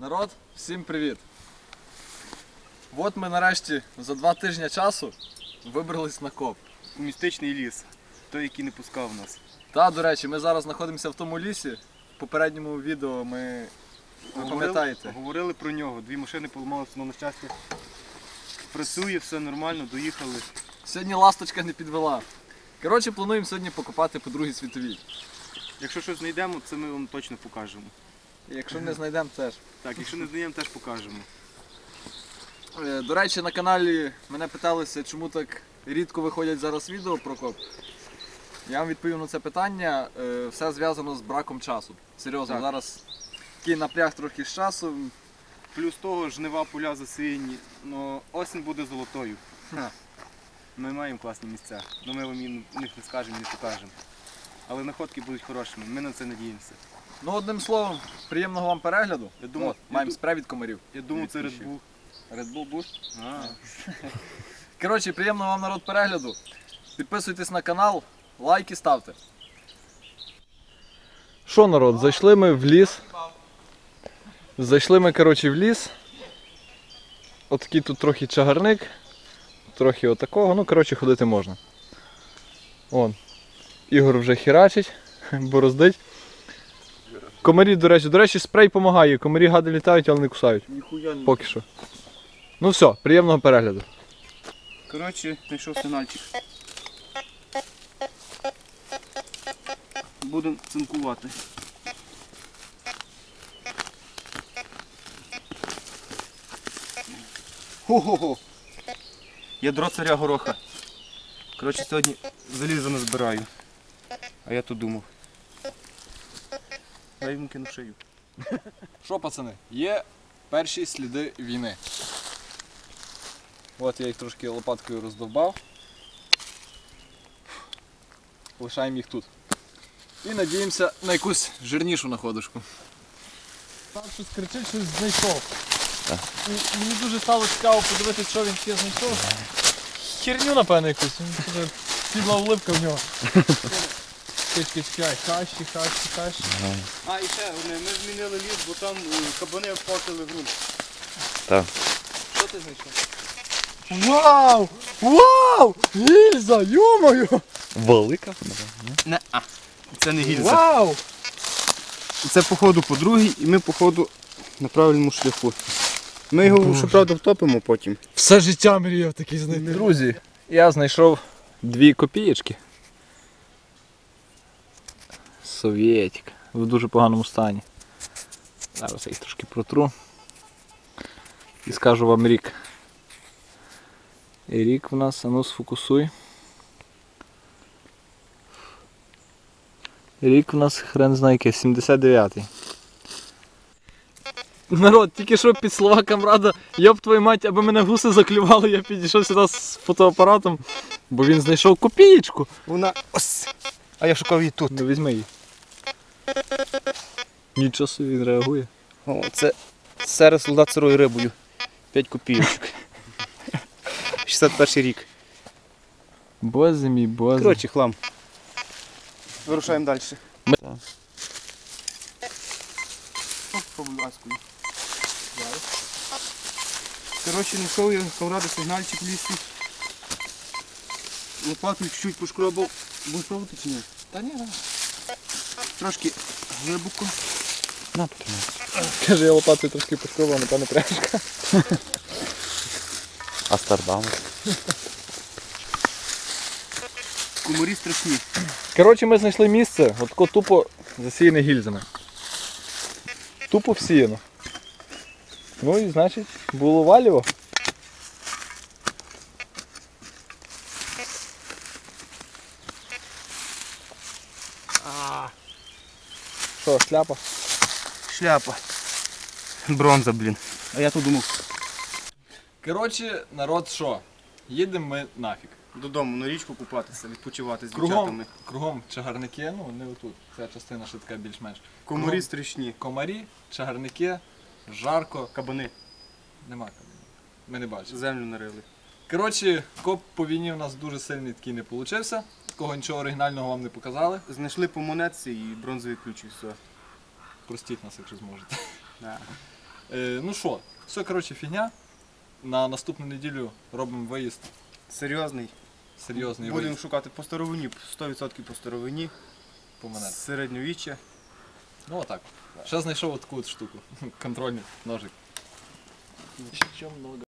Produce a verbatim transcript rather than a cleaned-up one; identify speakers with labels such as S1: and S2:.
S1: Народ, всім привіт! От ми нарешті за два тижні часу вибрались на коп.
S2: У містичний ліс, той, який не пускав нас.
S1: Та, до речі, ми зараз знаходимося в тому лісі. В попередньому відео ми, ви пам'ятаєте.
S2: Говорили про нього, дві машини поламалися, але на щастя працює, все нормально, доїхали.
S1: Сьогодні ласточка не підвела. Коротше, плануємо сьогодні покопати по Другій світовій.
S2: Якщо щось знайдемо, це ми вам точно покажемо.
S1: Якщо не знайдемо, теж.
S2: Так, якщо не знайдемо, теж покажемо.
S1: До речі, на каналі мене питалися, чому так рідко виходять зараз відео про коп. Я вам відповів на це питання. Все зв'язано з браком часу. Серйозно,
S2: Так.
S1: зараз такий напряг трохи з часу.
S2: Плюс того, жнива поля засіяні, але осінь буде золотою.
S1: Ха.
S2: Ми маємо класні місця, але ми вам їм- них не скажемо, не покажемо. Але находки будуть хорошими, ми на це надіємося.
S1: Ну, одним словом, приємного вам перегляду.
S2: Я думав-
S1: От, маємо
S2: я ду-
S1: спрей від комарів.
S2: Я думав, це Red
S1: Відпущу.
S2: Bull.
S1: Red Bull Boost.
S2: А,
S1: Коротше, приємного вам, народ, перегляду. Підписуйтесь на канал, лайки ставте. Що, народ, зайшли ми в ліс. Зайшли ми, коротше, в ліс. Отакий тут трохи чагарник. Трохи отакого. Ну, коротше, ходити можна. Вон. Ігор вже херачить, бороздить. Комарі, до речі, до речі, спрей допомагає. Комарі гади літають, але не кусають.
S2: ніхуя не.
S1: Поки що. Ну все, приємного перегляду.
S2: Коротше, знайшов сигнальчик. Будемо цинкувати. Хо-хо-хо! Ядро царя гороха. Коротше, сьогодні залізо не збираю. А я то думав. Я йому кину шию.
S1: Що, пацани, є перші сліди війни. От я їх трошки лопаткою роздовбав. Лишаємо їх тут. І надіємося на якусь жирнішу находочку. Там щось кричить, щось знайшов. І мені дуже стало цікаво подивитися, що він ще знайшов. Херню, напевно, якусь. Сідла вливка в нього. Чекай, чекай, хащі, хащі, хащі.
S2: А, і ще одне, ми змінили ліс, бо там е, кабани обпортили ґрунт.
S3: Так.
S1: Що ти знайшов? Вау! Вау! Гільза, йо-моє!
S3: Велика?
S2: Не, а. Це не гільза.
S1: Вау!
S2: Це походу по другій і ми походу на правильному шляху. Ми його, щоправда, втопимо потім.
S1: Все життя мріяв такий знайти. Друзі, я знайшов дві копієчки. Совєтік. В дуже поганому стані. Зараз я їх трошки протру. І скажу вам рік. І рік в нас, а ну сфокусуй. Рік в нас хрен знає який, сімдесят дев'ятий. Народ, тільки що під слова камрада, йоп твою мать, аби мене гуси заклювали, я підійшов сюди з фотоапаратом, бо він знайшов копієчку.
S2: Вона ось. А я шукав її тут.
S1: Ну візьми її. Нічого собі, він реагує.
S2: О, це серед солдат сирою рибою. п'ять копійочок. шістдесят перший рік.
S1: Боже мій, боже.
S2: Коротше, хлам. Вирушаємо далі.
S1: Ми-
S2: Побудь-ласкою. Коротше, знайшов я камради сигнальчик в лісі. Лопатою чуть-чуть пошкробав. Будеш пробувати чи ні?
S1: Та ні, ні.
S2: Трошки глибоко.
S3: На, потримай.
S1: Каже, я лопатою трошки пошкробував, напевно, пряжка.
S3: Астардам.
S2: Комарі страшні.
S1: Коротше, ми знайшли місце, от тако тупо засіяне гільзами. Тупо всіяно. Ну і значить, було валіво. Що, шляпа?
S2: Шляпа. Бронза, блін. А я тут думав.
S1: Коротше, народ що? Їдемо ми нафіг.
S2: Додому на річку купатися, відпочивати з
S1: Кругом,
S2: дівчатами.
S1: кругом чагарники, ну не отут. Ця частина ще така більш-менш.
S2: Комарі
S1: Кругом
S2: страшні.
S1: комарі, чагарники, жарко.
S2: Кабани.
S1: Нема кабінів. Ми не бачимо.
S2: Землю нарили.
S1: Коротше, коп по війні у нас дуже сильний такий не вийшов. Такого нічого оригінального вам не показали.
S2: Знайшли по монетці і бронзовий ключ і все.
S1: Простіть нас, якщо зможете.
S2: Да.
S1: Е, ну що, все, коротше, фігня. На наступну неділю робимо виїзд.
S2: Серйозний.
S1: Серйозний
S2: Будемо
S1: виїзд
S2: шукати по старовині, сто відсотків по старовині,
S1: по мене.
S2: середньовіччя.
S1: Ну отак. Ще знайшов таку от штуку. Контрольний ножик. Ще много.